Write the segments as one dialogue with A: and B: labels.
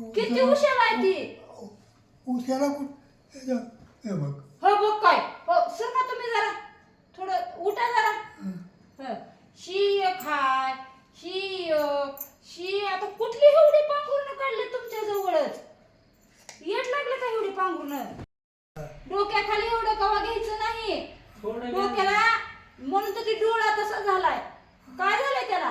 A: किती उशीर आहे ती
B: उशाला कुठं हे बघ
A: हो बघ काय हो सर का तुम्ही जरा थोडं उठा जरा हं. शी खाय शी आता कुठली एवढी पांघरून काढली तुमच्या जवळच येत लागलं का एवढी पांघरून डोक्याखाली एवढं कवा घ्यायचं नाही डोक्याला म्हणून तर ती डोळा तसा झालाय काय झालंय त्याला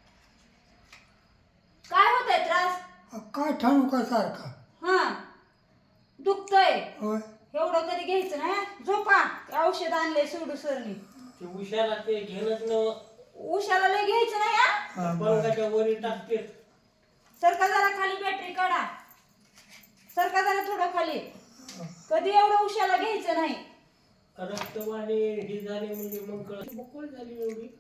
A: काय होतंय त्रास
B: काय ठाणू का सारखा
A: हा दुखतंय
B: होय
A: एवढं तरी घ्यायचं नाही झोपा औषध आणले सोडू सरनी
C: ते उशाला ते घेणंच न
A: उशाला लय घ्यायचं नाही हा
B: हा, बरं.
C: पलंगाच्या वरी टाकते
A: सरका जरा खाली बॅटरी काढा सरका जरा थोडं खाली कधी एवढं उशाला घ्यायचं नाही
C: रक्तवाणी ही झाली म्हणजे मग बकुळ झाली एवढी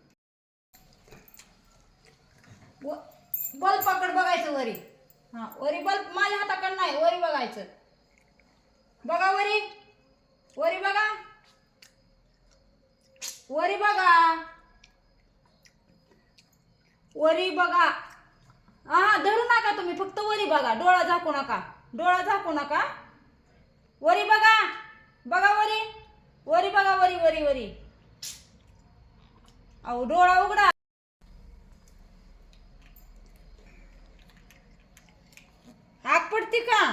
A: बल्ब पकड बघायचं वरी हा वरी बल्ब माझ्या हाताकडे नाही वरी बघायचं बघा वरी वरी बघा वरी बघा वरी बघा हा धरू नका तुम्ही फक्त वरी बघा डोळा झाकू नका वरी बघा बघा वरी वरी बघा वरी वरी वरी अहो डोळा उघडा आग पडती का